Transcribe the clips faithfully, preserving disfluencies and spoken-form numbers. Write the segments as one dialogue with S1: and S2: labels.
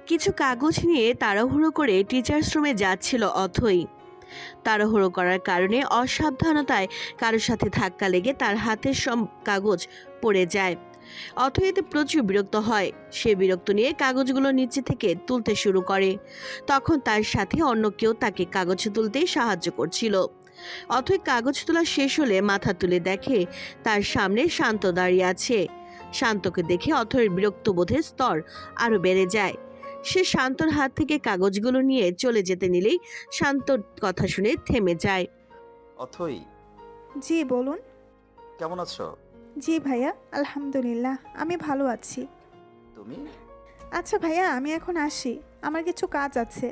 S1: কিছু কাগজ নিয়ে তাড়াহুড়ো করে টিচার্স রুমে যাচ্ছিল অথই। তাড়াহুড়ো করার কারণে অসাবধানতায় কারোর সাথে ধাক্কা লেগে তার হাতের সব কাগজ পড়ে যায়। অথই এতে প্রচুর বিরক্ত হয়। সে বিরক্ত নিয়ে কাগজগুলো নিচে থেকে তুলতে শুরু করে। তখন তার সাথে অন্য কেউ তাকে কাগজ তুলতে সাহায্য করছিল। অথই কাগজ তোলা শেষ হলে মাথা তুলে দেখে তার সামনে শান্ত দাঁড়িয়ে আছে। শান্তকে দেখে অথয়ের বিরক্ত বোধের স্তর আরো বেড়ে যায়। সে শান্তর হাত থেকে কাগজগুলো নিয়ে চলে যেতে নিলেই শান্তর কথা শুনে থেমে যায়।
S2: অথই,
S3: জি বলুন।
S2: কেমন আছো?
S3: জি ভাইয়া, আলহামদুলিল্লাহ আমি ভালো আছি।
S2: তুমি?
S3: আচ্ছা ভাইয়া, আমি এখন আসি, আমার কিছু কাজ আছে।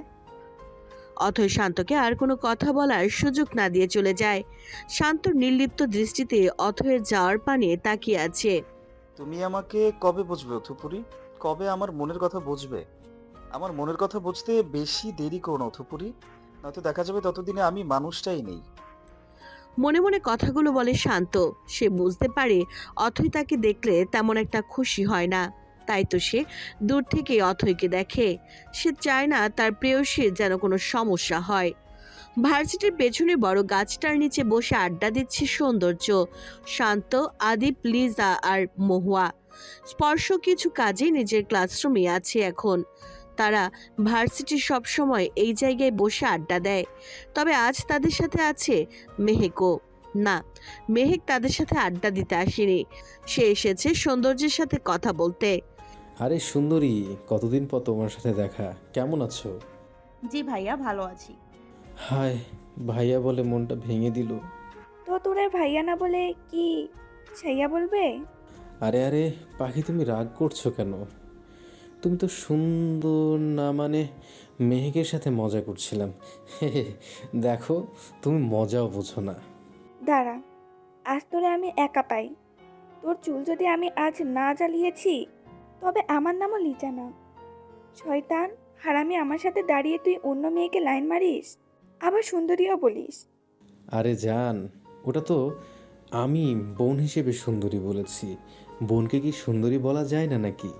S1: অথই শান্তকে আর কোনো কথা বলার সুযোগ না দিয়ে চলে যায়। শান্তর নির্লিপ্ত দৃষ্টিতে অথয়ের যাওয়ার পানে তাকিয়ে আছে।
S2: তুমি আমাকে কবে বুঝবে অথুপুরি? কবে আমার মনের কথা বুঝবে? আমার মনের কথা বুঝতে বেশি দেরি করো না অথুপুরি, নয়তো দেখা যাবে ততদিনে আমি মানুষটাই নেই।
S1: মনে মনে কথাগুলো বলে শান্ত। সে বুঝতে পারে অথই তাকে দেখলে তেমন একটা খুশি হয় না। তাই তো সে দূর থেকে অথইকে দেখে। সে চায় না তার প্রেয়সীর যেন কোনো সমস্যা হয়। ভার্সিটির পেছনে বড় গাছটার নিচে বসে আড্ডা দিচ্ছে সৌন্দর্য, শান্ত, আদিপ, লিজা আর মহুয়া। স্পর্শ কিছু কাজে নিজের ক্লাসরুমে আছে এখন। তারা ভার্সিটির সব সময় এই জায়গায় বসে আড্ডা দেয়। তবে আজ তাদের সাথে আছে মেহেকও। না, মেহেক তাদের সাথে আড্ডা দিতে আসেনি। সে এসেছে সৌন্দর্যের সাথে কথা বলতে।
S4: আরে সুন্দরী, কতদিন পর তোমার সাথে দেখা। কেমন আছো?
S5: জি ভাইয়া, ভালো আছি।
S4: হায়, ভাইয়া বলে মনটা ভেঙে দিল।
S6: তো তোরে ভাইয়া না বলে কি ছাইয়া বলবে?
S4: আরে আরে পাখি, তুমি রাগ করছো কেন? তুমি তো সুন্দর না, মানে মেহেকের সাথে মজা করছিলাম। দেখো, তুমি মজাও বোঝো না।
S6: দাঁড়া, আজ তোরে আমি একা পাই। তোর চুল যদি আমি আজ না জ্বালিয়েছি, তবে আমার নামও লিজা না। শয়তান হারামি, আমার সাথে দাঁড়িয়ে তুই অন্য মেয়েকে লাইন মারিস, আবার সুন্দরীও বলিস।
S4: আরে জান, ওটা তো আমি বোন হিসেবে সুন্দরী বলেছি। বোনকে কি সুন্দরী বলা যায় না নাকি?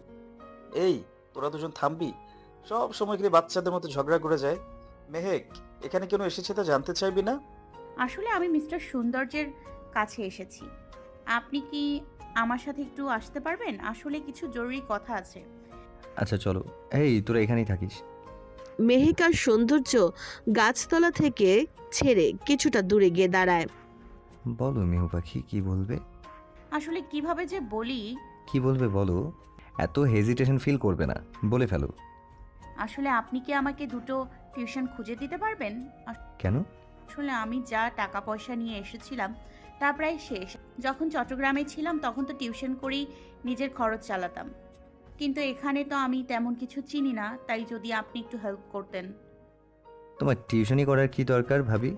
S2: এই, তোরা দুজন থামবি? সব সময় গেলে বাচ্চাদের মতো ঝগড়া করে যায়। মেহেক, এখানে কেন এসেছে তা জানতে চাইবি না?
S5: আসলে আমি মিস্টার সৌন্দর্যের কাছে এসেছি। আপনি কি আমার সাথে একটু আসতে পারবেন? আসলে কিছু জরুরি কথা আছে।
S7: আচ্ছা চলো। এই তোরা এখানেই থাকিস?
S1: মেহেক আর সৌন্দর্য গাছতলা থেকে ছেড়ে কিছুটা দূরে গিয়ে দাঁড়ায়।
S7: বলো মিহু পাখি, কি বলবে?
S5: আসলে কিভাবে যে বলি,
S7: কি বলবে বলো, এত হেজিটেশন ফিল করবে না, বলে ফেলো।
S5: আসলে আপনি কি আমাকে দুটো টিউশন খুঁজে দিতে পারবেন?
S7: কেন?
S5: আসলে আমি যা টাকা পয়সা নিয়ে এসেছিলাম তা প্রায় শেষ। যখন চট্টগ্রামে ছিলাম তখন তো টিউশন করেই নিজের খরচ চালাতাম, কিন্তু এখানে তো আমি তেমন কিছু চিনি না, তাই যদি আপনি একটু হেল্প করতেন।
S7: তোমার টিউশনি করার কি দরকার ভাবি?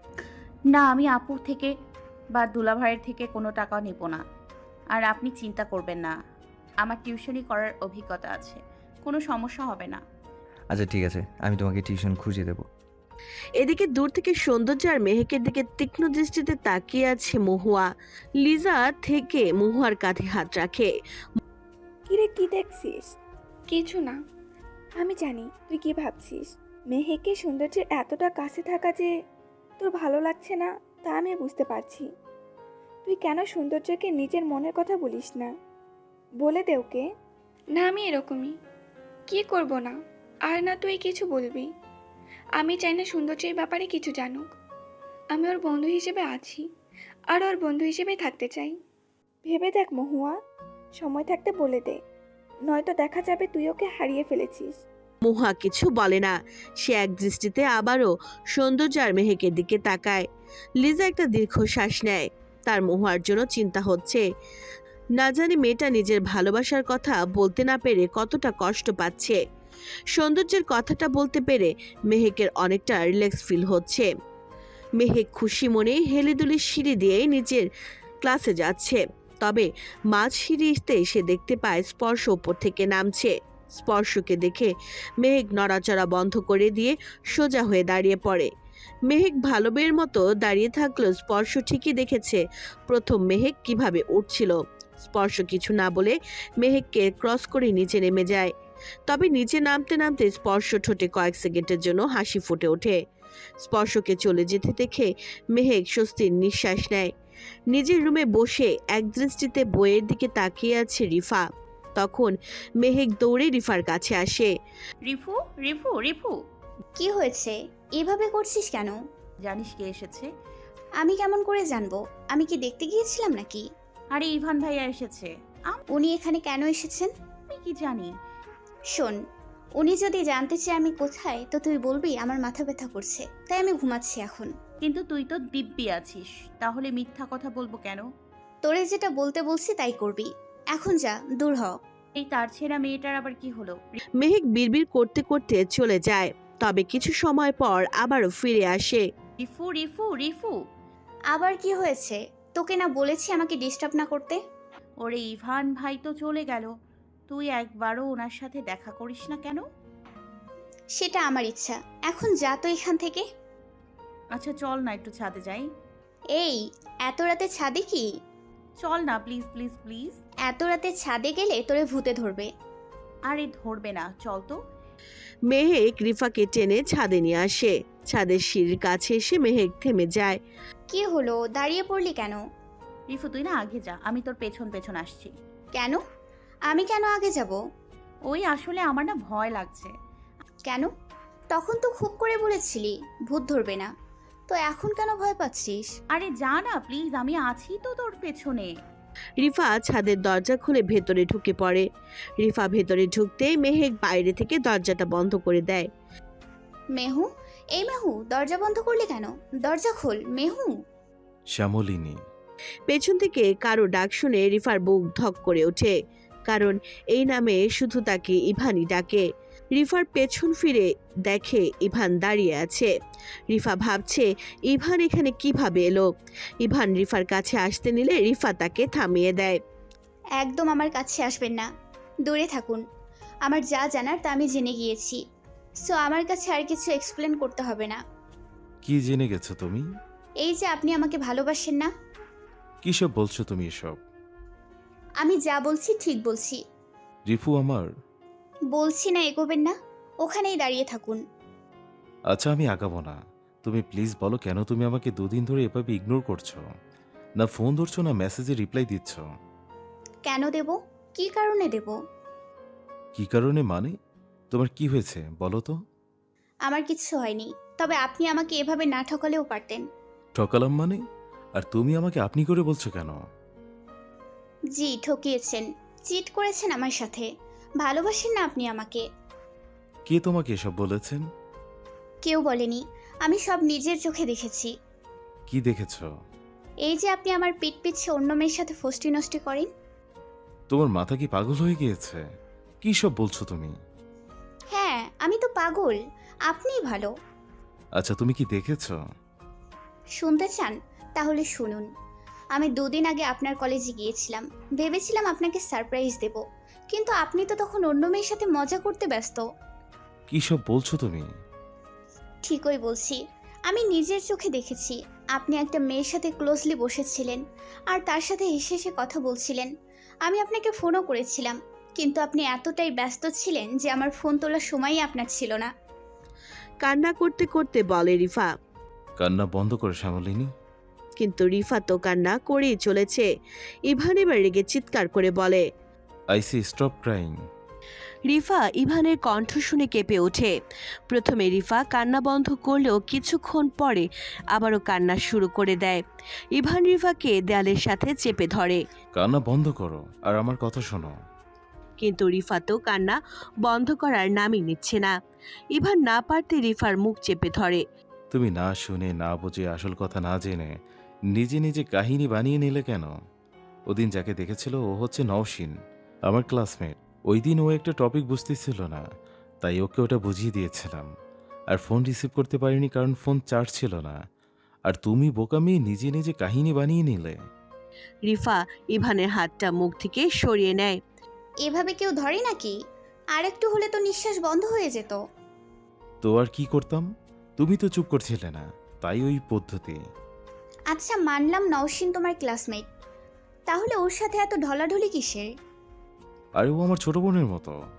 S5: না, আমি আপুর থেকে বা দুলাভাইয়ের থেকে কোনো টাকা নেব না। আর আপনি চিন্তা করবেন না, আমার টিউশনি করার অভিজ্ঞতা আছে, কোনো সমস্যা হবে না।
S7: আচ্ছা ঠিক আছে, আমি তোমাকে টিউশন খুঁজে দেবো।
S1: এদিকে দূর থেকে সৌন্দর্য আর মেহেকের দিকে তীক্ষ্ণ দৃষ্টিতে তাকিয়ে আছে মহুয়া। লিজা থেকে মহুয়ার কাঁধে হাত রাখে।
S6: কিরে, কি দেখছিস?
S8: কিছু না।
S6: আমি জানি তুই কি ভাবছিস। মেহেকে সৌন্দর্যের এতটা কাছে থাকা যে তোর ভালো লাগছে না, তা আমি বুঝতে পারছি। তুই কেন সৌন্দর্যকে নিজের মনের কথা বলিস না? বলে দে ওকে।
S8: না, আমি এরকমই। কি করব না, আর না তুই কিছু বলবি। আমি চাই না সৌন্দর্যের ব্যাপারে কিছু জানুক। আমি ওর বন্ধু হিসেবে আছি, আর ওর বন্ধু হিসেবেই থাকতে চাই।
S6: ভেবে দেখ মহুয়া, সময় থাকতে বলে দে, নয়তো দেখা যাবে তুই ওকে হারিয়ে ফেলেছিস।
S1: মহুয়া কিছু বলে না। সে এক দৃষ্টিতে আবারও সৌন্দর্য আর মেহেকের দিকে তাকায়। লিজা একটা দীর্ঘশ্বাস নেয়। তার মহুয়ার জন্য চিন্তা হচ্ছে। না জানি মেয়েটা নিজের ভালোবাসার কথা বলতে না পেরে কতটা কষ্ট পাচ্ছে। সৌন্দর্যের কথাটা বলতে পেরে মেহেকের অনেকটা রিল্যাক্স ফিল হচ্ছে। মেহেক খুশি মনে হেলেদুলে সিঁড়ি দিয়ে নিজের ক্লাসে যাচ্ছে। তবে মাঝ সিঁড়িতে সে দেখতে পায় স্পর্শ উপর থেকে নামছে। স্পর্শকে দেখে মেহেক নড়াচড়া বন্ধ করে দিয়ে সোজা হয়ে দাঁড়িয়ে পড়ে। মেহেক ভালো মেয়ের মতো দাঁড়িয়ে থাকলেও স্পর্শ ঠিকই দেখেছে প্রথম মেহেক কিভাবে উঠছিল। স্পর্শ কিছু না বলে মেহেককে ক্রস করে নিচে নেমে যায়। তবে নিচে নামতে নামতে স্পর্শ ঠোঁটে কয়েক সেকেন্ডের জন্য হাসি ফুটে ওঠে। স্পর্শকে চলে যেতে দেখে মেহেক স্বস্তির নিঃশ্বাস নেয়। নিজের রুমে বসে একদৃষ্টিতে বইয়ের দিকে তাকিয়ে আছে রিফা। তখন মেহেক দৌড়ে রিফার কাছে আসে।
S5: রিফু রিফু রিফু
S9: কি হয়েছে? এভাবে করছিস কেন?
S5: জানিস কে এসেছে?
S9: আমি কেমন করে জানবো? আমি কি দেখতে গিয়েছিলাম নাকি?
S5: আরে ইভান ভাইয়া এসেছে।
S9: উনি এখানে কেন এসেছেন?
S5: আমি কি জানি?
S9: শোন, উনি যদি জানতে চায় আমি কোথায়, তো তুই বলবি আমার মাথা ব্যথা করছে, তাই আমি ঘুমাচ্ছি এখন।
S5: কিন্তু তুই তো দিব্যি আছিস, তাহলে মিথ্যা কথা বলবো কেন?
S9: তোরে যেটা বলতে বলছি তাই করবি। এখন যা, দূর হ।
S5: এই তার ছেঁড়া মেয়েটার আবার কি হলো?
S1: মেহেক বিড়বিড় করতে করতে চলে যায়। তবে কিছু সময় পর আবারও ফিরে আসে।
S5: রিফু রিফু রিফু
S9: আবার কি হয়েছে? তোকে না বলেছি আমাকে ডিস্টার্ব না করতে?
S5: ওরে ইভান ভাই তো চলে গেল, তুই একবারও ওনার সাথে দেখা করিস না কেন?
S9: সেটা আমার ইচ্ছা। এখন যা তো এখান থেকে।
S5: আচ্ছা চল না একটু ছাদে যাই।
S9: এই, এত রাতে ছাদে কি?
S5: চল না প্লিজ প্লিজ প্লিজ।
S9: এত রাতে ছাদে গেলে তোরে ভূতে ধরবে।
S5: আরে ধরবে না, চল তো।
S1: মেহেক রিফাকে টেনে ছাদে নিয়ে আসে। ছাদের সিঁড়ির কাছে এসে মেহেক থেমে যায়।
S9: কি হলো, দাঁড়িয়ে পড়লি কেন?
S5: রিফু তুই না আগে যা, আমি তোর পেছন পেছন আসছি।
S9: কেন? আমি কেন আগে যাব?
S5: ওই আসলে আমার না ভয় লাগছে।
S9: কেন? তখন তো খুব করে বলেছিলি ভূত ধরবে না, তো এখন কেন ভয় পাচ্ছিস?
S5: আরে যা না প্লিজ, আমি আছি তো তোর পেছনে।
S1: রিফা ছাদের দরজা খুলে ভেতরে ঢুকে পড়ে। রিফা ভেতরে ঢুকতেই মেহেক বাইরে থেকে দরজাটা বন্ধ করে দেয়।
S9: মেহু, এই মেহু, দরজা বন্ধ করলি কেন? দরজা খোল মেহু।
S10: শ্যামলিনী।
S1: পেছন থেকে কারো ডাক শুনে রিফার বুক ধক করে ওঠে, কারণ এই নামে শুধু তাকে ইভানই ডাকে। রিফার পেছন ফিরে দেখে ইভান দাঁড়িয়ে আছে। রিফা ভাবছে ইভান এখানে কিভাবে এলো। ইভান রিফার কাছে আসতে নিলে রিফা তাকে থামিয়ে দেয়।
S9: একদম আমার কাছে আসবেন না, দূরে থাকুন। আমার যা জানার তা আমি জেনে গিয়েছি, সো আমার কাছে আর কিছু এক্সপ্লেন করতে হবে না।
S10: কি জেনে গেছো তুমি?
S9: এই যে আপনি আমাকে ভালোবাসেন না।
S10: কি সব বলছো তুমি এসব?
S9: আমি যা বলছি ঠিক বলছি।
S10: রিফু আমার।
S9: বলছি না এগোবেন না, ওখানেই দাঁড়িয়ে থাকুন।
S10: আচ্ছা আমি আগাবো না, তুমি প্লিজ বলো কেন তুমি আমাকে দুদিন ধরে এভাবে ইগনোর করছো? না ফোন ধরছো না মেসেজে রিপ্লাই দিচ্ছ।
S9: কেন দেব? কি কারণে দেব?
S10: কি কারণে মানে? তোমার কি হয়েছে বলো তো?
S9: আমার কিছু হয়নি, তবে আপনি আমাকে এভাবে না ঠকালেও পারতেন।
S10: ঠকালাম মানে? আর তুমি আমাকে আপনি করে বলছো কেন?
S9: জি ঠকিয়েছেন, চিট করেছেন আমার সাথে। ভালোবাসেন না আপনি আমাকে।
S10: কে তোমাকে এসব বলেছেন?
S9: কেউ বলেনি, আমি সব নিজের চোখে দেখেছি।
S10: কি দেখেছো?
S9: এই যে আপনি আমার পিঠ পিছে অন্য মেয়ের সাথে ফষ্টি নষ্টি করেন।
S10: তোমার মাথা কি পাগল হয়ে গিয়েছে? কি সব বলছো তুমি?
S9: হ্যাঁ আমি তো পাগল, আপনিই ভালো।
S10: আচ্ছা তুমি কি দেখেছো?
S9: শুনতে চান? তাহলে শুনুন। আমি দুদিন আগে আপনার কলেজে গিয়েছিলাম, ভেবেছিলাম আপনাকে সারপ্রাইজ দেব, কিন্তু আপনি তো তখন অন্য মেয়ের সাথে মজা করতে ব্যস্ত।
S10: কি সব বলছো তুমি?
S9: ঠিকই বলছি, আমি নিজের চোখে দেখেছি। আপনি একটা মেয়ের সাথে ক্লোজলি বসেছিলেন আর তার সাথে হেসে হেসে কথা বলছিলেন। আমি আপনাকে ফোনও করেছিলাম, কিন্তু আপনি এতটাই ব্যস্ত ছিলেন যে আমার ফোন তোলার সময়ই আপনার ছিল না।
S1: কান্না করতে করতে বলে রিফা।
S10: কান্না বন্ধ করে শ্যামলিনী।
S1: কিন্তু রিফা তো কান্না করেই চলেছে। ইভান এবার রেগে চিৎকার করে বলে,
S10: I see stop crying.
S1: Rifa ইভানের কণ্ঠ শুনে কেঁপে ওঠে। প্রথমে রিফা কান্না বন্ধ করলেও কিছুক্ষণ পরে আবারও কান্না শুরু করে দেয়। ইভান রিফাকে দেয়ালের সাথে চেপে ধরে,
S10: কান্না বন্ধ করো আর আমার কথা শোনো।
S1: কিন্তু রিফা তো কান্না বন্ধ করার নামই নিচ্ছে না। ইভান না পারতে রিফার মুখ চেপে ধরে।
S10: তুমি না শুনে না বুঝে আসল কথা না জেনে নিজে নিজে কাহিনী বানিয়ে নিলে কেন? ওদিন যাকে দেখেছিল ও হচ্ছে নওশিন, আমার ক্লাসমেট। ওই দিন ও একটা টপিক বুঝতেছিল না, তাই ওকে ওটা বুঝিয়ে দিয়েছিলাম। আর ফোন রিসিভ করতে পারিনি কারণ ফোন চার্জ ছিল না। আর তুমি বোকামি নিজে নিজে কাহিনী বানিয়ে নিলে।
S1: রিফা ইভানের হাতটা মুখ থেকে সরিয়ে নেয়।
S9: এভাবে কেউ ধরে নাকি? আর একটু হলে তো নিঃশ্বাস বন্ধ হয়ে যেত।
S10: তো আর কি করতাম? তুমি তো চুপ করছিলে না, তাই ওই পদ্ধতি।
S9: আচ্ছা মানলাম নওশিন তোমার ক্লাসমেট, তাহলে ওর সাথে এত ঢলাঢলি কিসের?
S10: আর ও আমার ছোট বোনের মতো।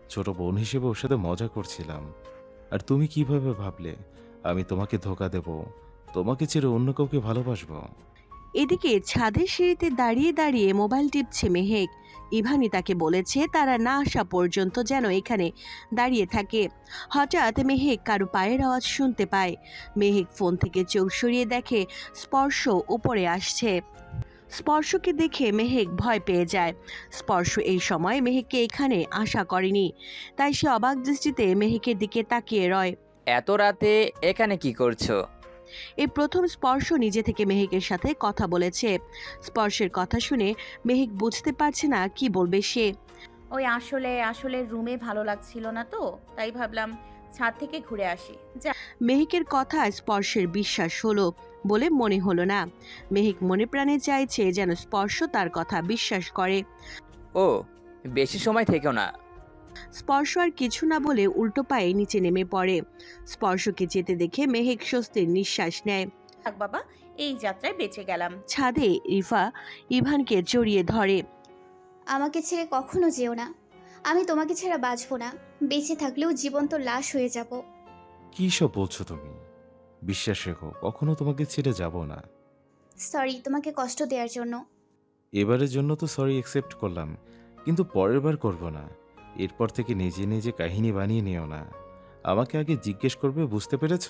S10: ছোট বোন হিসেবে ওর সাথে মজা করছিলাম। আর তুমি কিভাবে ভাবলে আমি তোমাকে ধোকা দেব, তোমাকে ছেড়ে অন্য কাউকে ভালোবাসবো?
S1: এদিকে ছাদের সিঁড়িতে দাঁড়িয়ে দাঁড়িয়ে মোবাইল টিপছে মেহেক। ইভানি তাকে বলেছে তারা না আসা পর্যন্ত যেন এখানে দাঁড়িয়ে থাকে। হঠাৎ মেহেক কারো পায়ের আওয়াজ শুনতে পায়। মেহেক ফোন থেকে চোখ সরিয়ে দেখে স্পর্শ উপরে আসছে। স্পর্শকে দেখে মেহেক ভয় পেয়ে যায়। স্পর্শ এই সময় মেহেককে এখানে আশা করেনি, তাই সে অবাক দৃষ্টিতে মেহেকের দিকে তাকিয়ে রয়।
S11: এত রাতে এখানে কি করছো?
S1: এই প্রথম স্পর্শ নিজে থেকে মেহেকের সাথে কথা বলেছে। স্পর্শের কথা শুনে মেহেক বুঝতে পারছে না কি বলবে সে।
S5: ওই আসলে আসলে রুমে ভালো লাগছিল না তো, তাই ভাবলাম ছাদ থেকে ঘুরে আসি। যা।
S1: মেহেকের কথা স্পর্শের বিশ্বাস হলো বলে মনে হলো না। মেহেক মনে প্রাণে চাইছে যেন স্পর্শ তার কথা বিশ্বাস করে।
S11: ও, বেশি সময় থেকো না।
S1: স্পর্শ আর কিছু না বলে উল্টো পায়ে নিচে নেমে পড়ে। স্পর্শকে যেতে দেখে মেহেক স্বস্তির নিঃশ্বাস নেয়।
S5: থাক বাবা, এই যাত্রায় বেঁচে গেলাম।
S1: ছাদে রিফা ইভানকে জড়িয়ে ধরে।
S9: আমাকে ছেড়ে কখনো যেও না। আমি তোমাকে ছাড়া বাঁচবো না। বেঁচে থাকলেও জীবন্ত লাশ হয়ে যাব।
S10: কি সব বলছো তুমি? বিশ্বাস রেখো, কখনো তোমাকে ছেড়ে যাব না।
S9: সরি তোমাকে কষ্ট দেওয়ার জন্য।
S10: এবারের জন্য তো সরি অ্যাকসেপ্ট করলাম, কিন্তু পরের বার করব না। এরপর থেকে নিজে নিজে কাহিনী বানিয়ে নিও না। আমাকে আগে জিজ্ঞেস করবে, বুঝতে পেরেছ?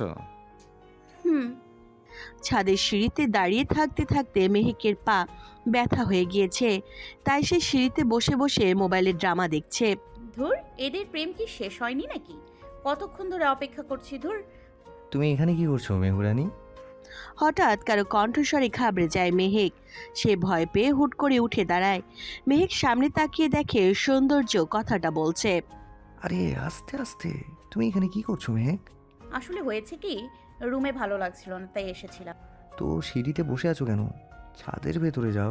S9: হুম।
S1: ছাদের সিঁড়িতে দাঁড়িয়ে থাকতে থাকতে মেহেকের পা ব্যথা হয়ে গিয়েছে, তাই সে সিঁড়িতে বসে বসে মোবাইলের ড্রামা দেখছে।
S5: ধুর, এদের প্রেম কি শেষ হয়নি নাকি? কতক্ষণ ধরে অপেক্ষা করছি। ধুর।
S7: তুমি এখানে কি করছো মেহুরানি?
S1: হঠাৎ কারো কণ্ঠস্বরে ঘাবড়ে যায় মেহেক। সে ভয় পেয়ে হুট করে উঠে দাঁড়ায়। মেহেক সামনে তাকিয়ে দেখে সৌন্দর্য কথাটা বলছে।
S7: আরে আস্তে আস্তে, তুমি এখানে কি করছো মেহেক?
S5: আসলে হয়েছে কি, রুমে ভালো লাগছিল না তাই এসেছিলাম।
S7: তো সিঁড়িতে বসে আছো কেন? ছাদের ভেতরে যাও।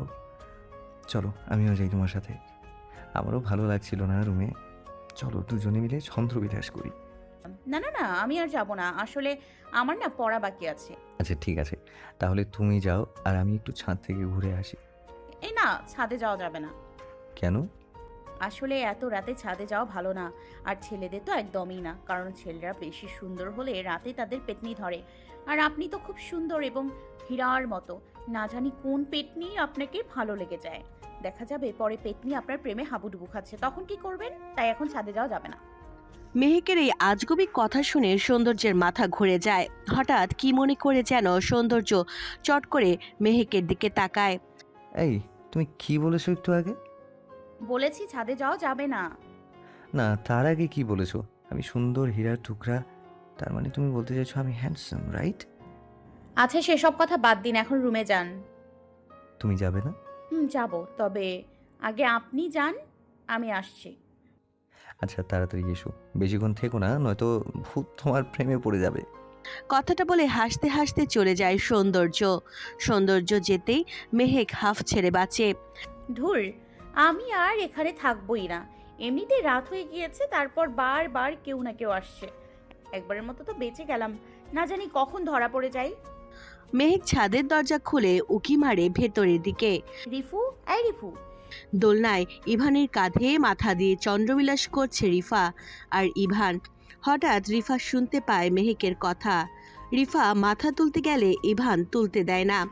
S7: চলো আমিও যাই তোমার সাথে। আমারও ভালো লাগছিল না রুমে। চলো দুজনে মিলে ছন্দ্রবিলাস করি।
S5: না না না, আমি আর যাব না। আসলে আমার না পড়া বাকি আছে।
S7: আচ্ছা ঠিক আছে, তাহলে তুমি যাও আর আমি একটু ছাদ থেকে ঘুরে আসি।
S5: এই না, ছাদে যাওয়া যাবে না।
S7: কেন?
S5: আসলে এত রাতে ছাদে যাওয়া ভালো না। আর ছেলেদের তো একদমই না, কারণ ছেলেরা বেশি সুন্দর হলে রাতে তাদের পেটনি ধরে। আর আপনি তো খুব সুন্দর এবং হীরার মতো। না জানি কোন পেটনি আপনাকে ভালো লেগে যায়। দেখা যাবে পরে পেটনি আপনার প্রেমে হাবুডুবু খাচ্ছে, তখন কি করবেন? তাই এখন ছাদে যাওয়া যাবে না।
S1: মেহেকের এই আজগুবি কথা শুনে সৌন্দর্যের মাথা ঘুরে যায়। হঠাৎ কি মনে করে যেন সৌন্দর্য চট করে মেহেকের দিকে তাকায়।
S7: এই তুমি কি বলেছো একটু আগে?
S5: বলেছি ছাদে যাওয়া যাবে না।
S7: না, তার আগে কি বলেছো? আমি সুন্দর হীরার টুকরা। তার মানে তুমি বলতে চাইছো আমি হ্যান্ডসাম, রাইট?
S5: আচ্ছা সেসব কথা বাদ দিন, এখন রুমে যান।
S7: তুমি যাবে না?
S5: হুম, যাব, তবে আগে আপনি যান, আমি আসছি।
S7: আচ্ছা তাড়াতাড়ি এসো, বেশিক্ষণ থেকো না, নয়তো ভূত তোমার প্রেমে পড়ে যাবে।
S1: কথাটা বলে হাসতে হাসতে চলে যায় সৌন্দর্য। সৌন্দর্য যেতেই মেহেক হাফ ছেড়ে বাঁচে।
S5: ধুর, আমি আর এখানে থাকবোই না। এমনিতে রাত হয়ে গিয়েছে, তারপর বারবার কেউ না কেউ আসছে। একবারের মতো তো বেঁচে গেলাম, না জানি কখন ধরা পড়ে যাই।
S1: মেহেক ছাদের দরজা খুলে উকি মারে ভেতরের দিকে।
S5: রিফু, এই রিফু।
S1: দোলনায় ইভানের কাঁধে মাথা দিয়ে চন্দ্রবিলাস করছে রিফা। আর ইভান হঠাৎ রিফা শুনতে পায় মেহেকের কথা। রিফা মাথা তুলতে গেলে ইভান তুলতে দেয় না।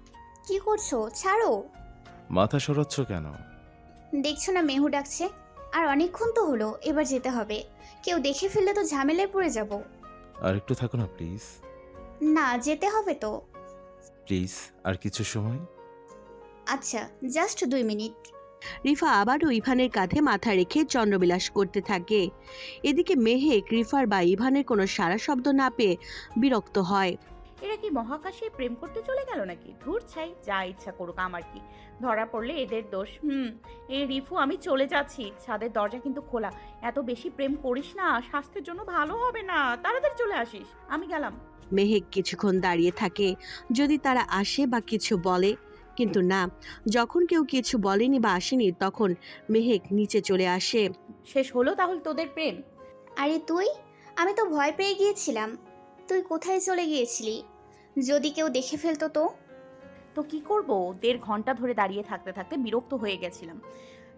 S9: কি করছো? ছাড়ো।
S10: মাথা সরাচ্ছ কেন?
S9: দেখছো না মেহু ডাকছে। আর অনেকক্ষণ তো হলো, এবার যেতে হবে। কেউ দেখে ফেললে তো ঝামেলায় পড়ে যাব।
S10: আর একটু থাকো না প্লিজ।
S9: না, যেতে হবে তো।
S10: প্লিজ আর কিছু সময়।
S9: আচ্ছা, জাস্ট দুই মিনিট।
S1: রিফা আবারও ইভানের কাঁধে মাথা রেখে চন্দ্রবিলাস করতে থাকে। এদিকে মেহেক রিফার বা ইভানের কোনো সারা শব্দ না পেয়ে বিরক্ত হয়।
S5: এরা কি মহাকাশে প্রেম করতে চলে গেল নাকি? ধুর ছাই, যা ইচ্ছা করুক, আমার কি। ধরা পড়লে এদের দোষ। হুম। এই রিফু, আমি চলে যাচ্ছি। ছাদের দরজা কিন্তু খোলা। এত বেশি প্রেম করিস না, স্বাস্থ্যের জন্য ভালো হবে না। তাড়াতাড়ি চলে আসিস। আমি গেলাম।
S1: মেহেক কিছুক্ষণ দাঁড়িয়ে থাকে, যদি তারা আসে বা কিছু বলে, কিন্তু না, যখন কেউ কিছু বলেনি বা আসেনি তখন মেহেক নিচে চলে আসে।
S5: শেষ হলো তাহলে তোদের প্রেম?
S9: আরে তুই, আমি তো ভয় পেয়ে গিয়েছিলাম। তুই কোথায় চলে গিয়েছিলি? যদি কেউ দেখে ফেলতো তো?
S5: তো কি করব, দেড় ঘন্টা ধরে দাঁড়িয়ে থাকতে থাকতে বিরক্ত হয়ে গেছিলাম।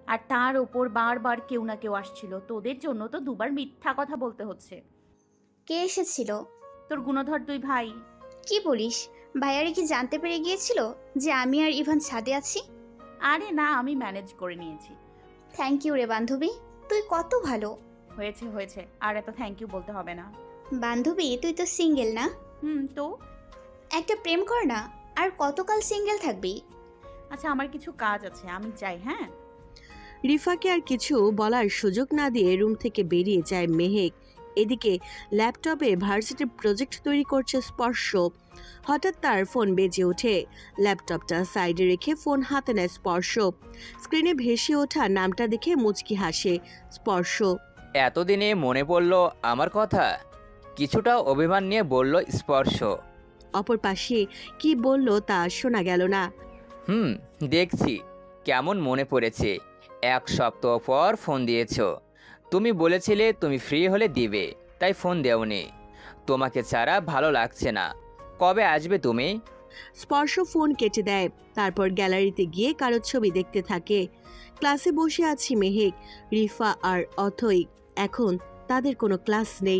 S5: আর তার ওপর বারবার কেউ না কেউ আসছিল, তোদের জন্য তো দুবার মিথ্যা কথা বলতে হচ্ছে।
S9: কে এসেছিল?
S5: তোর গুণধর দুই ভাই।
S9: কি বলিস? ভাইয়ারে কি জানতে পেরে গিয়েছিল যে আমি আর ইভান ছাদে আছি?
S5: আরে না, আমি ম্যানেজ করে নিয়েছি।
S9: থ্যাংক ইউ রে বান্ধবী, তুই কত ভালো।
S5: হয়েছে হয়েছে, আর এত থ্যাংক ইউ বলতে হবে না।
S9: বান্ধবী তুই তো সিঙ্গেল না?
S5: হুম, তো
S9: একটা প্রেম কর না, আর কতকাল সিঙ্গেল থাকবি?
S5: আচ্ছা, আমার কিছু কাজ আছে, আমি যাই। হ্যাঁ,
S1: রিফাকে আর কিছু বলার সুযোগ না দিয়ে রুম থেকে বেরিয়ে যায় মেহেক। এদিকে ল্যাপটপে ভার্সিটির প্রজেক্ট তৈরি করছে স্পর্শ। হঠাৎ তার ফোন বেজে ওঠে। ল্যাপটপটা সাইডে রেখে ফোন হাতে নেয় স্পর্শ। স্ক্রিনে ভেসে ওঠা নামটা দেখে মুচকি হাসে স্পর্শ।
S11: এতদিনে মনে পড়ল আমার কথা, কিছুটা অভিমান নিয়ে বলল স্পর্শ।
S1: অপর পাশে কি বলল তা শোনা গেল না।
S11: হুম, দেখছি কেমন মনে পড়েছে। এক সপ্তাহ পর ফোন দিয়েছো। তুমি বলেছিলে তুমি ফ্রি হলে দিবে, তাই ফোন দেওনি। তোমাকে ছাড়া ভালো লাগছে না। কবে আসবে তুমি?
S1: স্পর্শ ফোন কেটে দেয়। তারপর গ্যালারিতে গিয়ে কারো ছবি দেখতে থাকে। ক্লাসে বসে আছি মেহেক, রিফা আর অথই। এখন তাদের কোনো ক্লাস নেই।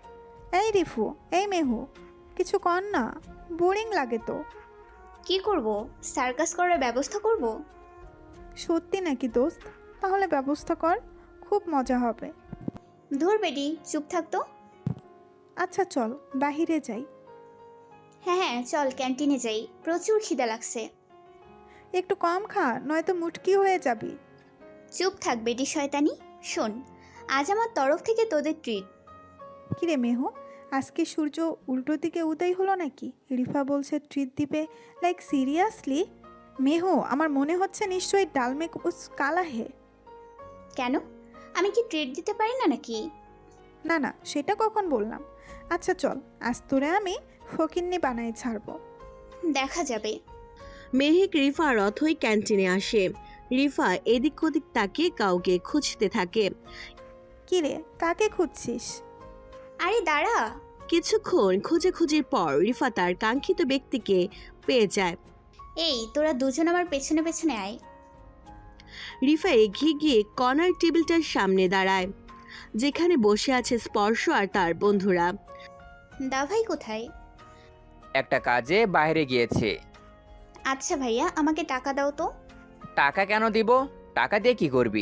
S3: এই রিফু, এই মেহু, কিছু কর না, বোরিং লাগে তো।
S9: কি করব? সার্কাস করার ব্যবস্থা করব।
S3: সত্যি নাকি দোস্ত? তাহলে ব্যবস্থা কর, খুব মজা হবে।
S9: ধুর বেডি, চুপ থাকতো।
S3: আচ্ছা চল বাহিরে যাই।
S9: হ্যাঁ হ্যাঁ চল, ক্যান্টিনে যাই, প্রচুর খিদা লাগছে।
S3: একটু কম খা, নয়তো মুটকি হয়ে যাবি।
S9: চুপ থাক বেডি শয়তানি। শোন, আজ আমার তরফ থেকে তোদের ট্রিট।
S3: কিরে মেহু, আজকে সূর্য উল্টো দিকে উদয় হলো নাকি? রিফা বলছে ট্রিট দিবে, লাইক সিরিয়াসলি? মেহু, আমার মনে হচ্ছে নিশ্চয়ই ডালমেক উস কালা হে।
S9: কেন, আমি কি ট্রিট দিতে পারি না নাকি?
S3: না না, সেটা কখন বললাম। আচ্ছা চল, আজ তোরে আমি ফকিন্নি বানাই ছাড়বো।
S9: দেখা যাবে।
S1: মেহেক, রিফা আর অথই ক্যান্টিনে আসে। রিফা এদিক ওদিক তাকিয়ে কাউকে খুঁজতে থাকে।
S3: কিরে, কাকে খুঁজছিস?
S9: আরে দাঁড়া।
S1: কিছুক্ষণ খোঁজাখুঁজির পর রিফা তার কাঙ্ক্ষিত ব্যক্তিকে পেয়ে যায়।
S9: এই তোরা দুজন আমার পেছনে পেছনে আয়।
S1: রিফা এগিয়ে গিয়ে কর্নার টেবিলটার সামনে দাঁড়ায়, যেখানে বসে আছে স্পর্শ আর তার বন্ধুরা।
S9: দা ভাই কোথায়?
S11: একটা কাজে বাইরে গিয়েছে।
S9: আচ্ছা ভাইয়া, আমাকে টাকা দাও তো।
S11: টাকা কেন দিব? টাকা দিয়ে কি করবি?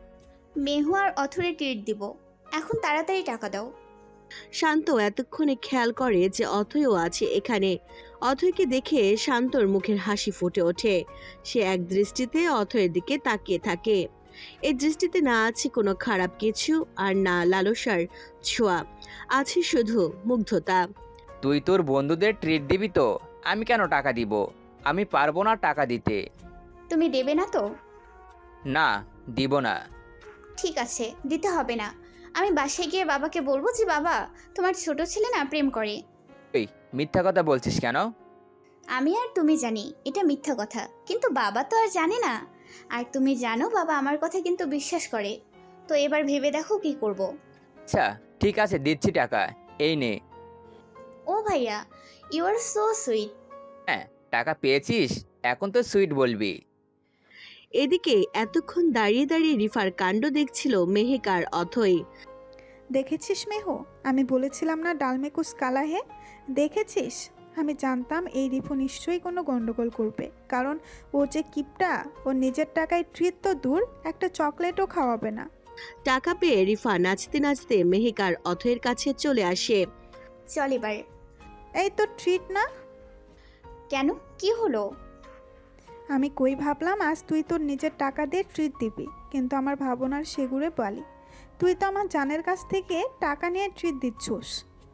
S9: মেহু আর অথরে ট্রিট দিব, এখন তাড়াতাড়ি টাকা দাও।
S1: শান্ত এতক্ষণে খেয়াল করে যে অথয়ও আছে এখানে। অথয়কে দেখে শান্তর মুখের হাসি ফুটে ওঠে। সে এক দৃষ্টিতে অথয়ের দিকে তাকিয়ে থাকে। এই দৃষ্টিতে না আছে কোনো খারাপ কিছু, আর না লালসার ছোঁয়া, আছে শুধু মুগ্ধতা।
S11: তুই তোর বন্ধুদের ট্রিট দিবি তো? আমি কেন টাকা দিব? আমি পারবো না টাকা দিতে।
S9: তুমি দেবে না তো?
S11: না, দিব না।
S9: ঠিক আছে, দিতে হবে না। আমি বাসায় গিয়ে বাবাকে বলবো যে বাবা, তোমার ছোট ছেলে না প্রেম করে।
S11: ওই মিথ্যা কথা বলছিস কেন?
S9: আমি আর তুমি জানি এটা মিথ্যা কথা, কিন্তু বাবা তো আর জানে না। আর তুমি জানো বাবা আমার কথা কিন্তু বিশ্বাস করে। তো এবার ভেবে দেখো কি করব।
S11: আচ্ছা ঠিক আছে, দিচ্ছি টাকা, এই নে।
S9: ও ভাইয়া, ইউ আর সো সুইট।
S11: হ্যাঁ, টাকা পেয়েছিস, এখন তো সুইট বলবি।
S1: এদিকে এতক্ষণ দাঁড়িয়ে দাঁড়িয়ে রিফার কাণ্ড দেখছিল মেহেক আর অথই।
S3: দেখেছিস মেহু, আমি বলেছিলাম না ডালমেকুস কালা হে? দেখেছিস? আমি জানতাম এই রিফু নিশ্চয়ই কোনো গন্ডগোল করবে, কারণ ও যে কিপটা, ও নিজের টাকায় ট্রিট তো দূর, একটা চকলেটও খাওয়াবে না।
S1: টাকা পেয়ে রিফা নাচতে নাচতে মেহেক আর অথয়ের কাছে চলে আসে।
S9: চল এবার।
S3: এই তো ট্রিট না?
S9: কেন, কি হলো?
S3: আমি কই ভাবলাম আজ তুই তোর নিজের টাকা দিয়ে ট্রিট দিবি, কিন্তু আমার ভাবনার সেগুড়ে বালি। তুই তো আমার জানের কাছ থেকে টাকা নিয়ে ট্রিট দিচ্ছস।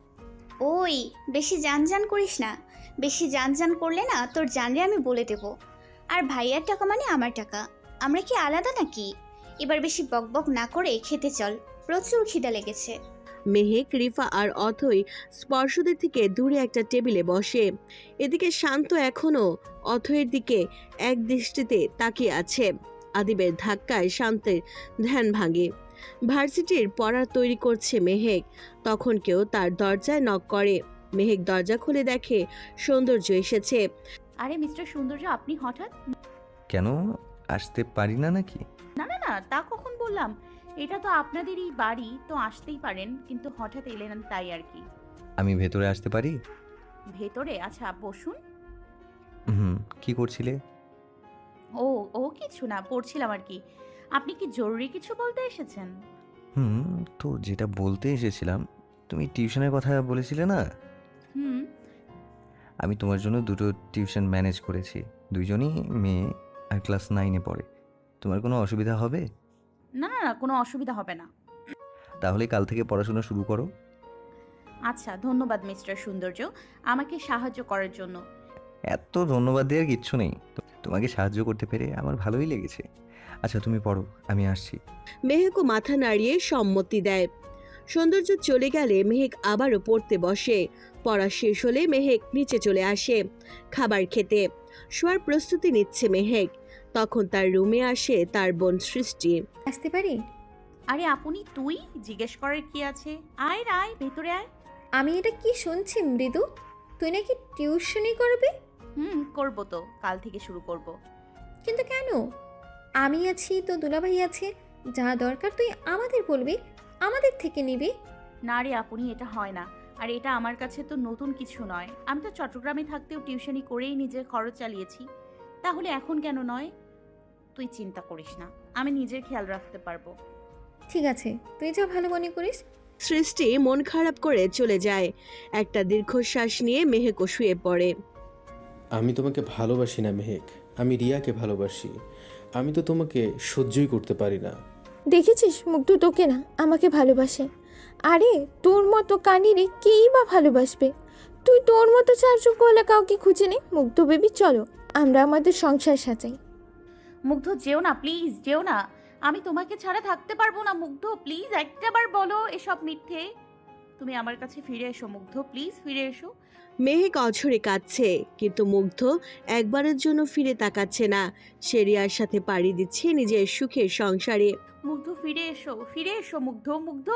S9: ওই বেশি জানজান করিস না। বেশি জানজান করলে না তোর জানরে আমি বলে দেব। আর ভাইয়ার টাকা মানে আমার টাকা, আমরা কি আলাদা নাকি? এবার বেশি বকবক না করে খেতে চল, প্রচুর খিদা লেগেছে।
S1: মেহেক, রিফা আর অথই স্পর্শদের থেকে দূরে একটা টেবিলে বসে। এদিকে শান্ত এখনো অথয়ের দিকে এক দৃষ্টিতে তাকিয়ে আছে। আদিবের ধাক্কায় শান্তের ধ্যান ভাঙে। ভার্সিটির পড়া তৈরি করছে মেহেক, তখন কেউ তার দরজায় নক করে। মেহেক দরজা খুলে দেখে সৌন্দর্য এসেছে।
S5: আরে মিস্টার সৌন্দর্য, আপনি হঠাৎ?
S7: কেন, আসতে পারি না নাকি?
S5: না না না, তা কখন বললাম? এটা তো আপনাদেরই বাড়ি, তো আসতেই পারেন, কিন্তু হঠাৎ এলেন তাই আর কি।
S7: আমি ভেতরে আসতে পারি?
S5: ভেতরে? আচ্ছা বসুন।
S7: হুম, কি করছিলে?
S5: ও ও কিছু না, পড়ছিলাম আর কি। আপনি কি জরুরি কিছু বলতে এসেছেন?
S7: হুম, তো যেটা বলতে এসেছিলাম, তুমি টিউশনের কথা বলেছিলে না?
S5: হুম।
S7: আমি তোমার জন্য দুটো টিউশন ম্যানেজ করেছি। দুইজনই মেয়ে আর ক্লাস নাইনে পড়ে। তোমার কোনো অসুবিধা হবে?
S5: না না না, কোনো অসুবিধা হবে না।
S7: তাহলে কাল থেকে পড়াশোনা শুরু করো।
S5: আচ্ছা, ধন্যবাদ মিস্টার সৌন্দর্য আমাকে সাহায্য করার জন্য।
S7: এত ধন্যবাদ দেওয়ার কিচ্ছু নেই। তো- তোমাকে সাহায্য করতে পেরে আমার ভালোই লেগেছে। আচ্ছা তুমি পড়ো, আমি আসছি।
S1: মেহেকও মাথা নাড়িয়ে সম্মতি দেয়। সৌন্দর্য চলে গেলে মেহেক আবারও পড়তে বসে। পড়া শেষ হলে মেহেক নিচে চলে আসে খাবার খেতে। শোয়ার প্রস্তুতি নিচ্ছে মেহেক। তখন তার রুমে আসে তার বোন সৃষ্টি।
S12: আসতে পারি?
S5: আরে আপনি, তুই জিজ্ঞেস করার কি আছে? আয় রে, আয় ভেতরে আয়।
S12: আমি এটা কি শুনছি মৃদু, তুই নাকি টিউশনই করবি?
S5: হুম, করবো তো, কাল থেকে শুরু করব।
S12: কিন্তু কেন? আমি আছি তো, দুলাভাই আছে, যা দরকার তুই আমাদের বলবি, আমাদের থেকে নিবি।
S5: না রে আপনি, এটা হয় না। আর এটা আমার কাছে তো নতুন কিছু নয়। আমি তো চট্টগ্রামে থাকতেও টিউশনি করেই নিজের খরচ চালিয়েছি, তাহলে এখন কেন নয়? তুই চিন্তা করিস না, আমি নিজের খেয়াল রাখতে পারবো।
S12: ঠিক আছে, তুই যা ভালো মনে করিস।
S1: সৃষ্টি মন খারাপ করে চলে যায়। একটা দীর্ঘশ্বাস নিয়ে মেহেকও শুয়ে পড়ে।
S4: আমি তোমাকে ভালোবাসি না মেহেক, আমি রিয়াকে ভালোবাসি। আমি তো তোমাকে সহ্যই করতে পারি না।
S13: দেখেছিস মুগ্ধ তোকে না, আমাকে ভালোবাসে। আরে তোর মতো কানিরে কেই বা ভালোবাসবে? তুই তোর মতো চারযোগ্য হলে কাউকে খুঁজে নে। মুগ্ধ বেবি চলো, আমরা আমাদের সংসার সাজাই।
S5: মুগ্ধ যেও না প্লিজ, যেও না। আমি তোমাকে ছাড়া থাকতে পারবো না মুগ্ধ, প্লিজ একটাবার বলো এসব মিথ্যে। তুমি আমার কাছে ফিরে এসো মুগ্ধ, প্লিজ ফিরে এসো।
S1: মেহেক অঝরে কাঁদছে, কিন্তু মুগ্ধ একবারের জন্য ফিরে তাকাচ্ছে না। সে রিয়ার সাথে পাড়ি দিচ্ছে নিজের সুখের সংসারে।
S5: মুগ্ধ ফিরে এসো, ফিরে এসো মুগ্ধ, মুগ্ধ।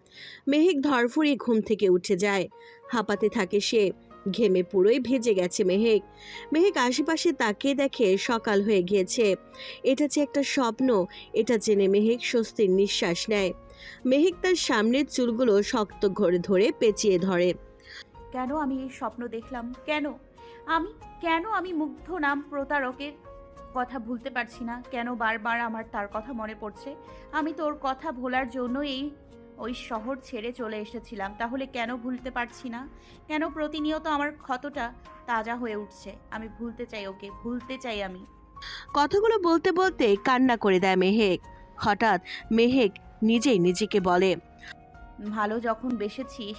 S1: মেহেক ধরফড়িয়ে ঘুম থেকে উঠে যায়। হাঁপাতে থাকে সে। ঘেমে পুরোই ভেজে গেছে মেহেক। মেহেক আশেপাশে তাকিয়ে দেখে সকাল হয়ে গিয়েছে। এটা যে একটা স্বপ্ন, এটা জেনে মেহেক স্বস্তির নিঃশ্বাস নেয়। মেহেক তার সামনের চুলগুলো শক্ত করে ধরে পেঁচিয়ে ধরে।
S5: কেন আমি এই স্বপ্ন দেখলাম? কেন আমি কেন আমি মুগ্ধ নাম প্রতারকের কথা ভুলতে পারছি না? কেন বারবার আমার তার কথা মনে পড়ছে? আমি তোর কথা ভোলার জন্য এই ওই শহর ছেড়ে চলে এসেছিলাম, তাহলে কেন ভুলতে পারছি না? কেন প্রতিনিয়ত আমার ক্ষতটা তাজা হয়ে উঠছে? আমি ভুলতে চাই ওকে, ভুলতে চাই আমি।
S1: কথাগুলো বলতে বলতে কান্না করে দেয় মেহেক। হঠাৎ মেহেক নিজেই নিজেকে বলে,
S5: ভালো যখন বেসেছিস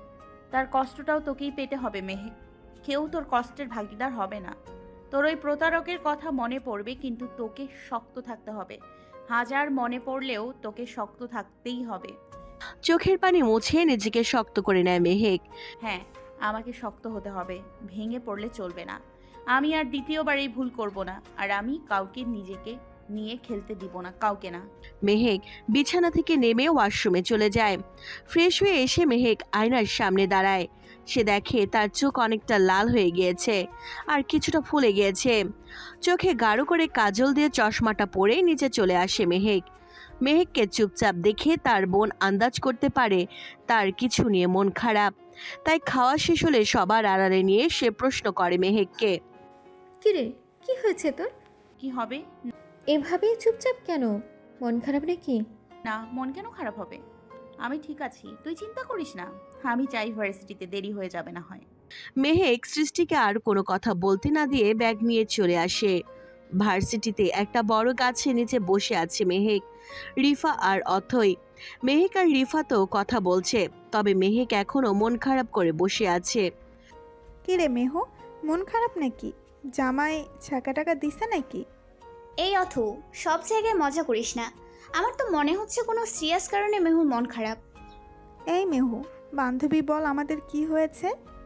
S5: তার কষ্টটাও তোকেই পেতে হবে মেহেক। কেউ তোর কষ্টের ভাগিদার হবে না। তোর ওই প্রতারকের কথা মনে পড়বে, কিন্তু তোকে শক্ত থাকতে হবে। হাজার মনে পড়লেও তোকে শক্ত থাকতেই হবে।
S1: চোখের পানি মুছে নিজেকে শক্ত করে নেয় মেহেক।
S5: হ্যাঁ, আমাকে শক্ত হতে হবে, ভেঙে পড়লে চলবে না। আমি আর দ্বিতীয়বার এই ভুল করব না, আর আমি কাউকে নিজেকে নিয়ে খেলতে দিব না, কাউকে না।
S1: মেহেক বিছানা থেকে নেমে ওয়াশরুমে চলে যায়। ফ্রেশ হয়ে এসে মেহেক আয়নার সামনে দাঁড়ায়। সে দেখে তার চোখ অনেকটা লাল হয়ে গিয়েছে আর কিছুটা ফুলে গিয়েছে। চোখে গাঢ় করে কাজল দিয়ে চশমাটা পরে নিচে চলে আসে মেহেক। মেহেককে চুপচাপ দেখে তার বোন আন্দাজ করতে পারে তার কিছু নিয়ে মন খারাপ। তাই খাওয়া শেষ হলে সবার আড়ালে নিয়ে সে প্রশ্ন করে মেহেককে,
S12: কিরে, কি হয়েছে তোর?
S5: কি হবে?
S12: এভাবেই চুপচাপ কেন? মন খারাপ নাকি?
S5: না, মন কেন খারাপ হবে? আমি ঠিক আছি, তুই চিন্তা করিস না। আমি চাই ভার্সিটিতে দেরি হয়ে যাবে না হয়।
S1: মেহেক সৃষ্টিকে আর কোনো কথা বলতে না দিয়ে ব্যাগ নিয়ে চলে আসে। ভার্সিটিতে একটা বড় গাছের নিচে বসে আছে মেহেক, রিফা আর অথই। মেহেক আর রিফা তো কথা বলছে, তবে মেহেক এখনো মন খারাপ করে বসে আছে।
S3: কি রে মেহু, মন খারাপ নাকি? জামাই ছাকা টাকা দিছে নাকি?
S9: এই অথু, সব জায়গায় মজা করিস না। আমার তো মনে হচ্ছে কোনো সিরিয়াস কারণে মেহুর মন খারাপ।
S3: এই মেহু, বান্ধবী বল আমাদের কি হয়েছে?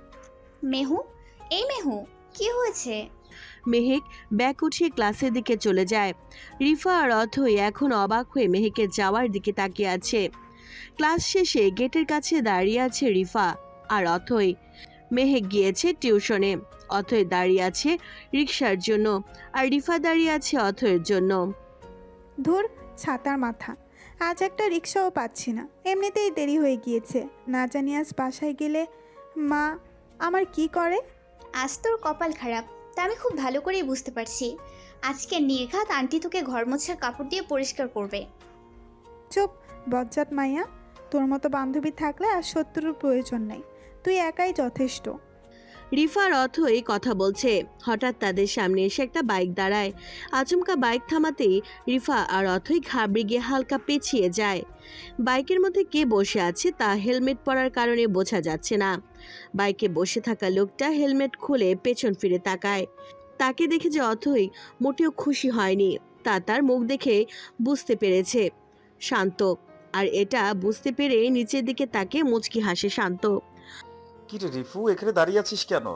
S9: মেহু, এই মেহু, কি হয়েছে?
S1: মেহেক ব্যাগ উঠিয়ে ক্লাসের দিকে চলে যায়। রিফা আর অথই এখন অবাক হয়ে মেহেকের যাওয়ার দিকে তাকিয়ে আছে। ক্লাস শেষে গেটের কাছে দাঁড়িয়ে আছে রিফা আর অথই। মেহেক গিয়েছে টিউশনে। অথই দাঁড়িয়ে আছে রিক্সার জন্য, আর রিফা দাঁড়িয়ে আছে অথয়ের জন্য।
S3: ধুর, ছাতার মাথা। আজ একটা রিক্সাও পাচ্ছি না, এমনিতেই দেরি হয়ে গিয়েছে। না জানি আজ বাসায় গেলে মা আমার কি করে।
S9: আজ তোর কপাল খারাপ, তা আমি খুব ভালো করেই বুঝতে পারছি। আজকে নির্ঘাত আন্টি তোকে ঘর মোছার কাপড় দিয়ে পরিষ্কার করবে।
S3: চুপ বজ্জাত মাইয়া, তোর মতো বান্ধবী থাকলে আর শত্রুর প্রয়োজন নেই, তুই একাই যথেষ্ট।
S1: রিফা আর অথই কথা বলছে, হঠাৎ তাদের সামনে এসে একটা বাইক দাঁড়ায়। আচমকা বাইক থামাতেই রিফা আর অথই ঘাবড়ে গিয়ে হালকা পেছিয়ে যায়। বাইকের মধ্যে কে বসে আছে তা হেলমেট পরার কারণে বোঝা যাচ্ছে না। বাইকে বসে থাকা লোকটা হেলমেট খুলে পেছন ফিরে তাকায়। তাকে দেখে যে অথই মোটেও খুশি হয়নি তা তার মুখ দেখে বুঝতে পেরেছে। শান্ত, আর এটা বুঝতে পেরে নিচের দিকে তাকে মুচকি হাসে শান্ত।
S2: কি রে রিফু, এখানে দাঁড়িয়ে আছিস কেন?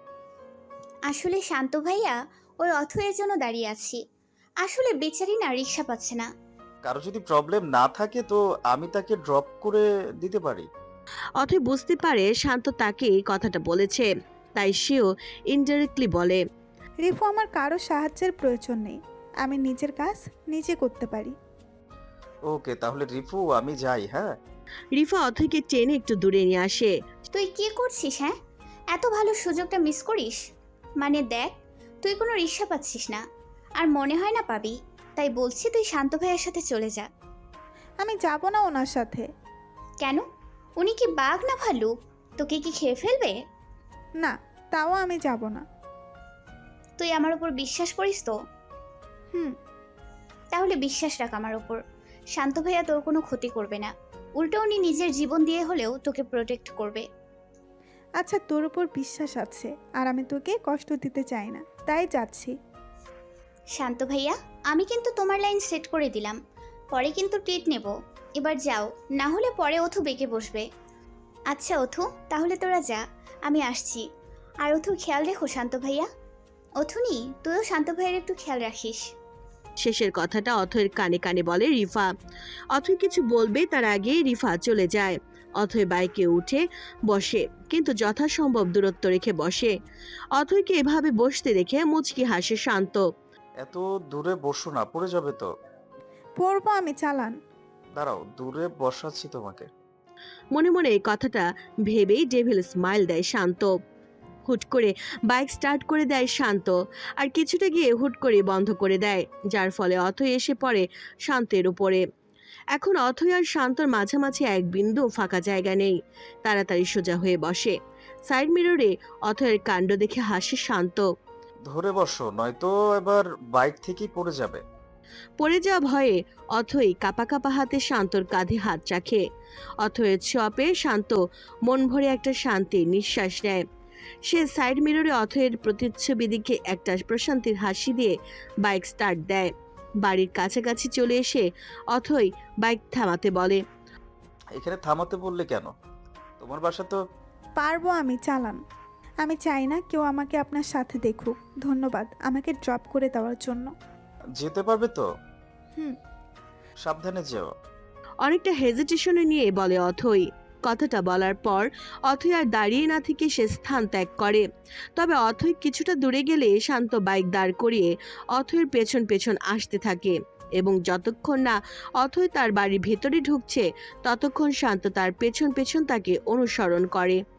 S9: আসলে শান্ত ভাইয়া, ওই অথয়ের জন্য দাঁড়িয়ে আছি। আসলে বেচারি না রিক্সা পাচ্ছে না।
S2: কারো যদি প্রবলেম না থাকে তো আমি তাকে ড্রপ করে দিতে পারি।
S1: অথই বুঝতে পারে শান্ত তাকে এই কথাটা বলেছে, তাই সেও ইনডাইরেক্টলি বলে,
S3: রিফু, আমার কারো সাহায্যের প্রয়োজন নেই, আমি নিজের কাজ নিজে করতে পারি।
S2: ওকে, তাহলে রিফু আমি যাই। হ্যাঁ।
S1: রিফা অথইকে টেনে একটু দূরে নিয়ে আসে।
S9: তুই কি করছিস? হ্যাঁ, এত ভালো সুযোগটা মিস করিস? মানে দেখ, তুই কোনো রিক্সা পাচ্ছিস না, আর মনে হয় না পাবি। তাই বলছি তুই শান্ত ভাইয়ের সাথে চলে যা।
S3: আমি যাব না ওনার সাথে।
S9: কেন? উনি কি বাঘ না ভালুক? তোকে কি খেয়ে ফেলবে?
S3: না, তাও আমি যাব না।
S9: তুই আমার উপর বিশ্বাস করিস তো?
S3: হুম।
S9: তাহলে বিশ্বাস রাখ আমার উপর। শান্ত ভাইয়া তোর কোনো ক্ষতি করবে না, উল্টো উনি নিজের জীবন দিয়ে হলেও তোকে প্রোটেক্ট করবে।
S3: আচ্ছা, তোর উপর বিশ্বাস আছে, আর আমি তোকে কষ্ট দিতে চাই না, তাই যাচ্ছি।
S9: শান্ত ভাইয়া, আমি কিন্তু তোমার লাইন সেট করে দিলাম, পরে কিন্তু ট্রিট নেব। এবার যাও, না হলে পরে অথু বেঁকে বসবে। আচ্ছা অথু, তাহলে তোরা যা, আমি আসছি। আর অথু খেয়াল রেখো শান্ত ভাইয়া। অথুনি, তুইও শান্ত ভাইয়ের একটু খেয়াল রাখিস।
S1: শেষের কথাটা অথয়ের কানে কানে বলে রিফা। অথয় কিছু বলবে তার আগে রিফা চলে যায়। অথয় বাইকে উঠে বসে, কিন্তু যথাসম্ভব দূরত্ব রেখে বসে। অথয়কে এভাবে বসতে দেখে মুচকি হাসে শান্ত।
S2: এত দূরে বসো না, পড়ে যাবে তো।
S3: পড়বো আমি, চালান।
S2: দাঁড়াও, দূরে বসাচ্ছি তোমাকে।
S1: মনে মনে এই কথাটা ভেবেই ডেভিল স্মাইল দেয় শান্ত। হুট করে বাইক স্টার্ট করে দেয় শান্ত, আর কিছুটা গিয়ে হুট করে বন্ধ করে দেয়, যার ফলে অথয় এসে পড়ে শান্তের উপরে। এখন অথয় আর শান্তর মাঝামাঝি এক বিন্দু ফাঁকা জায়গা নেই। তাড়াতাড়ি সোজা হয়ে বসে। সাইড মিররে অথয়ের কাণ্ড দেখে হাসে শান্ত।
S2: ধরে বসো, নয়তো এবার বাইক থেকেই পড়ে যাবে।
S1: পড়ে যাওয়া ভয়ে অথই কাপা কাপা হাতে শান্তর কাঁধে হাত রাখে। অথয়ের ছোঁয়াপে শান্ত মন ভরে একটা শান্তির নিঃশ্বাস নেয়। সে সাইড মিররে অথয়ের প্রতিচ্ছবি দিকে একটা প্রশান্তির হাসি দিয়ে বাইক স্টার্ট দেয়। বাড়ির কাছাকাছি চলে এসে অথই বাইক থামাতে বলে,
S2: এখানে থামাতে বললে কেন? তোমার বাসা তো।
S3: পারবো আমি, চালান। আমি চাই না কেউ আমাকে আপনার সাথে দেখুক। ধন্যবাদ আমাকে ড্রপ করে দেওয়ার জন্য।
S2: যেতে পারবে তো?
S3: হুম।
S2: সাবধানে যেও।
S1: অনেকটা হেজিটেশনে নিয়ে বলে অথই। কথাটা বলার পর অথই আর দাঁড়িয়ে না থেকে সে স্থান ত্যাগ করে। তবে অথই কিছুটা দূরে গেলে শান্ত বাইক দাঁড় করিয়ে অথয়ের পেছন পেছন আসতে থাকে, এবং যতক্ষণ না অথই তার বাড়ির ভেতরে ঢুকছে ততক্ষণ শান্ত তার পেছন পেছন তাকে অনুসরণ করে।